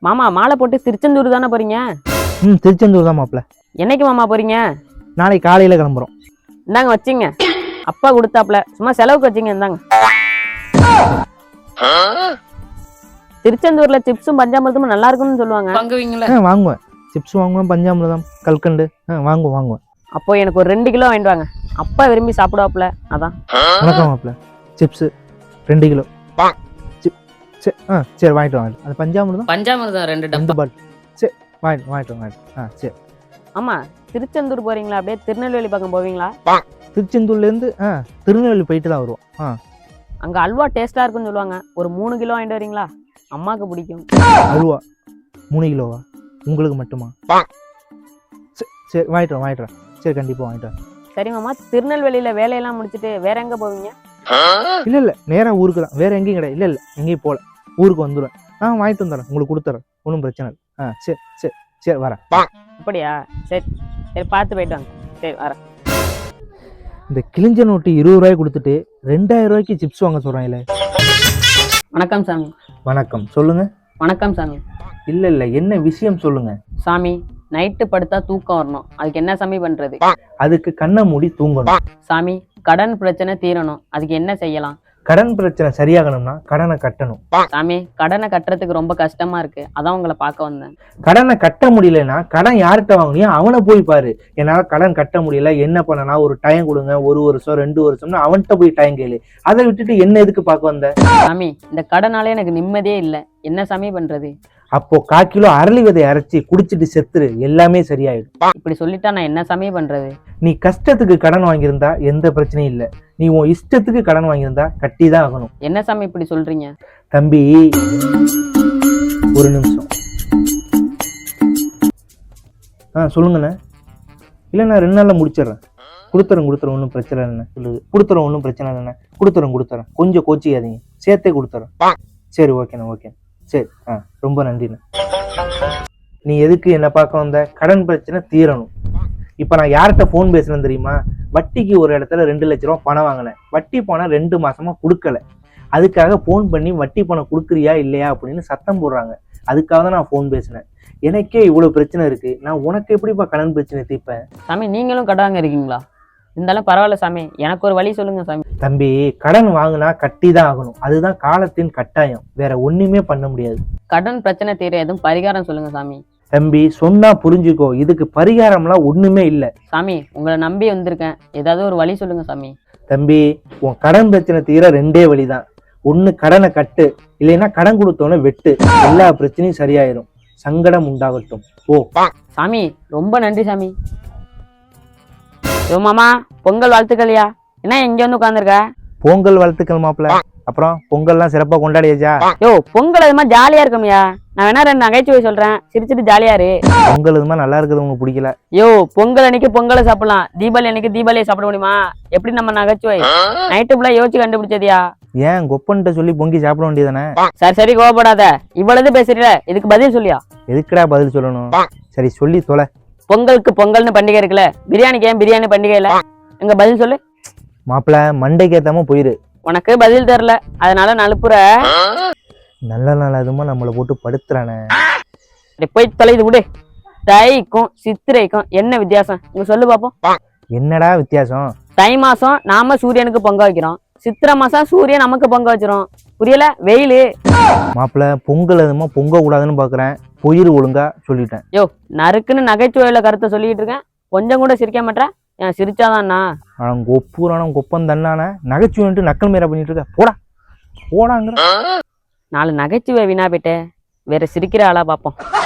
மாமா மாலை போட்டு திருச்செந்தூர் தானே போறீங்க? திருச்செந்தூர் தான் மாப்பிள்ள. என்னைக்கு மாமா போறீங்க? நாளைக்கு காலையில கிளம்புறோம். இந்தாங்க வச்சிங்க, அப்பா கொடுத்தாப்ல, சும்மா செலவுக்கு வச்சிங்க. இந்தாங்க. திருச்செந்தூர்ல சிப்ஸும் பஞ்சாமிரதமும் நல்லா இருக்குன்னு சொல்லுவாங்க, வாங்குவீங்களா? வாங்குவேன். சிப்ஸ் வாங்குவேன், பஞ்சாமிரதம், கல்கண்டு வாங்குவேன். அப்போ எனக்கு ஒரு 2 கிலோ வாங்கிட்டு வாங்க, அப்பா விரும்பி சாப்பிடுவாப்ல, அதான். வணக்கம் மாப்பிள்ள. Chips 2 kilo. சரி வாங்கிட்டு வாங்க. அது பஞ்சாமிரதம் 2 டப்பா. சரி வாங்கிட்டு. சரி. ஆமா, திருச்செந்தூர் போறீங்களா? அப்படியே திருநெல்வேலி பக்கம் போவீங்களா? திருச்செந்தூர்ல இருந்து திருநெல்வேலி போயிட்டு தான் வருவோம். அங்க அல்வா டேஸ்டா இருக்குன்னு சொல்லுவாங்க, ஒரு 3 கிலோ வாங்கிட்டு வரீங்களா? அம்மாக்கு பிடிக்கும். அல்வா 3 கிலோவா? உங்களுக்கு மட்டுமா? சரி வாங்கிட்டு. சரி கண்டிப்பா வாங்கிட்டு. சரி மாமா, திருநெல்வேலியில வேலையெல்லாம் முடிச்சுட்டு வேற எங்க போவீங்க? இல்ல நேரா ஊருக்கு தான், வேற எங்கேயும் கிடையாது. இல்ல எங்கேயும் போல, ஊருக்கு வந்துடுவேன். வாங்கிட்டு வந்துடுறேன், உங்களுக்கு கொடுத்துறேன், ஒன்றும் பிரச்சனை இல்லை. சரி வரேன். அப்படியா? சரி பார்த்து போயிட்டு வாங்க. சரி வரேன். இந்த கிழிஞ்ச நோட்டு 20 ரூபாய் கொடுத்துட்டு 2000 ரூபாய்க்கு சிப்ஸ் வாங்க சொல்றாங்களே. வணக்கம் சாமி. வணக்கம், சொல்லுங்க. வணக்கம் சாமி. இல்ல என்ன விஷயம் சொல்லுங்க. சாமி, நைட்டு படுத்தா தூக்கம் வரணும், அதுக்கு என்ன சாமி பண்றது? அதுக்கு கண்ணை மூடி தூங்கணும். சாமி, கடன் பிரச்சனை தீரணும், அதுக்கு என்ன செய்யலாம்? கடன் பிரச்சனை சரியாகணும்னா கடனை கட்டணும். சாமி, கடனை கட்டுறதுக்கு ரொம்ப கஷ்டமா இருக்கு, அதான் உங்களை பார்க்க வந்தேன். கடனை கட்ட முடியலன்னா கடன் யார்கிட்ட வாங்கினியோ அவனை போய் பாரு. என்னால கடன் கட்ட முடியல, என்ன பண்ணனா, ஒரு டைம் கொடுங்க, 1 வருஷம் 2 வருஷம்னு அவன்கிட்ட போய் டைம் கேளு. அதை விட்டுட்டு என்ன எதுக்கு பார்க்க வந்த? சாமி, இந்த கடனாலே எனக்கு நிம்மதியே இல்லை, என்ன சாமி பண்றது? அப்போ 1/4 கிலோ அரளி விதை அரைச்சி குடிச்சிட்டு செத்துரு, எல்லாமே சரியாயிடும். இப்படி சொல்லிட்டா நான் என்ன சாமி பண்றது? நீ கஷ்டத்துக்கு கடன் வாங்கியிருந்தா எந்த பிரச்சனையும் இல்லை, நீ உன் இஷ்டத்துக்கு கடன் வாங்கியிருந்தா கட்டி தான் ஆகணும். என்ன சாமி இப்படி சொல்றீங்க? தம்பி ஒரு நிமிஷம். சொல்லுங்கண்ணே. இல்லை நான் 2 நாள்ல முடிச்சிடுறேன். கொடுத்துறேன், ஒன்றும் பிரச்சனை இல்லைண்ணே. சொல்லுது கொடுத்துறேன், ஒன்றும் பிரச்சனை இல்லைண்ணே. கொடுத்துறேன், கொஞ்சம் கோச்சிக்காதீங்க, சேர்த்தே கொடுத்துறேன். சரி ஓகே. சரி ரொம்ப நன்றிண்ணே. நீ எதுக்கு என்ன பார்க்க வந்த? கடன் பிரச்சனை தீரணும். இப்ப நான் யார்கிட்ட போன் பேசுறேன் தெரியுமா? வட்டிக்கு ஒரு இடத்துல 2 லட்ச ரூபா பணம் வாங்கினேன், வட்டி பணம் 2 மாசமா கொடுக்கல. அதுக்காக போன் பண்ணி வட்டி பணம் கொடுக்குறியா இல்லையா அப்படின்னு சத்தம் போடுறாங்க. அதுக்காக தான் நான் போன் பேசினேன். எனக்கே இவ்வளவு பிரச்சனை இருக்கு, நான் உனக்கு எப்படிப்பா கடன் பிரச்சனை தீர்ப்பேன்? சாமி, நீங்களும் கடன் இருக்கீங்களா? இருந்தாலும் பரவாயில்ல சாமி, எனக்கு ஒரு வழி சொல்லுங்க சாமி. தம்பி, கடன் வாங்கினா கட்டி தான் ஆகணும், அதுதான் காலத்தின் கட்டாயம், வேற ஒண்ணுமே பண்ண முடியாது. கடன் பிரச்சனை தீர எதுவும் பரிகாரம் சொல்லுங்க சாமி. தம்பி சொன்னா புரிஞ்சுக்கோ, இதுக்கு பரிகாரம்லாம் ஒண்ணுமே இல்லை. சாமி, உங்களை நம்பி வந்திருக்கேன், ஏதாவது ஒரு வழி சொல்லுங்க சாமி. தம்பி, உன் கடன் பிரச்சனை தீர 2 வழிதான். ஒண்ணு கடனை கட்டு, இல்லைன்னா கடன் கொடுத்தோன்னு வெட்டு, எல்லா பிரச்சனையும் சரியாயிரும். சங்கடம் உண்டாகட்டும் ஓ. சாமி ரொம்ப நன்றி சாமி. யோ மாமா, பொங்கல் வாழ்த்துக்கள்யா. என்ன இங்க வந்து உட்காந்துருக்க? பொங்கல் வாழ்த்துக்கள் மாப்பிள்ள. அப்புறம் பொங்கல்லாம் சிறப்பா கொண்டாடியாச்சா? யோ, பொங்கல் அது மாதிரி ஜாலியா இருக்கும்யா. நான் வேணா 2 நகைச்சுவை சொல்றேன், சிரிச்சிட்டு ஜாலியா இரு. பொங்கல் இது மாதிரி நல்லா இருக்குது, உங்களுக்கு பிடிக்கல? யோ, பொங்கல் அன்னைக்கு பொங்கலை சாப்பிடலாம், தீபாவளி அன்னைக்கு தீபாவளியை சாப்பிட முடியுமா? எப்படி நம்ம நகைச்சுவை? நைட்டு ஃபுல்லா யோசிச்சு கண்டுபிடிச்சதியா? ஏன் கொப்பன்ட்ட சொல்லி பொங்கி சாப்பிட வேண்டியதானே? சரி கோவப்படாத, இவ்வளவு பேசுறீல, இதுக்கு பதில் சொல்லியா? எதுக்குடா பதில் சொல்லணும்? சரி சொல்லி தொலை. பொங்கலுக்கு பொங்கல்னு பண்டிகை இருக்குல்ல, பிரியாணிக்கு ஏன் பிரியாணி பண்டிகை இல்ல? எங்க பதில் சொல்லு மாப்பிள்ள. மண்டைக்கு ஏத்தாம போயிரு. உனக்கு பதில் தெரியல, அதனால நலுப்புற. நல்ல நாள் அதுமா நம்மளை போட்டு படுத்துறானே. போய் தொலைது விடு. தைக்கும் சித்திரைக்கும் என்ன வித்தியாசம் இங்க சொல்லு பாப்போம். என்னடா வித்தியாசம்? தை மாசம் நாம சூரியனுக்கு பொங்க வைக்கிறோம், சித்திரை மாசம் சூரியன் நமக்கு பொங்க வச்சிரும். புரியல? வெயிலு. மாப்பிள்ள, பொங்கல் அதுமா பொங்க கூடாதுன்னு பாக்குறேன், போயிரு ஒழுங்கா சொல்லிட்டேன். யோ, நறுக்குன்னு நகைச்சுவையில கருத்தை சொல்லிட்டு இருக்கேன், கொஞ்சம் கூட சிரிக்க மாட்டேன். ஏன் சிரிச்சாதான்னா? கொப்பூரான கொப்பம் தன்னான நகைச்சுவைன்ட்டு நக்கல் மேல பண்ணிட்டு இருக்க. போடாங்கிற 4 நகைச்சுவை வீணா போயிட்டு வேற சிரிக்கிற ஆளா பாப்போம்.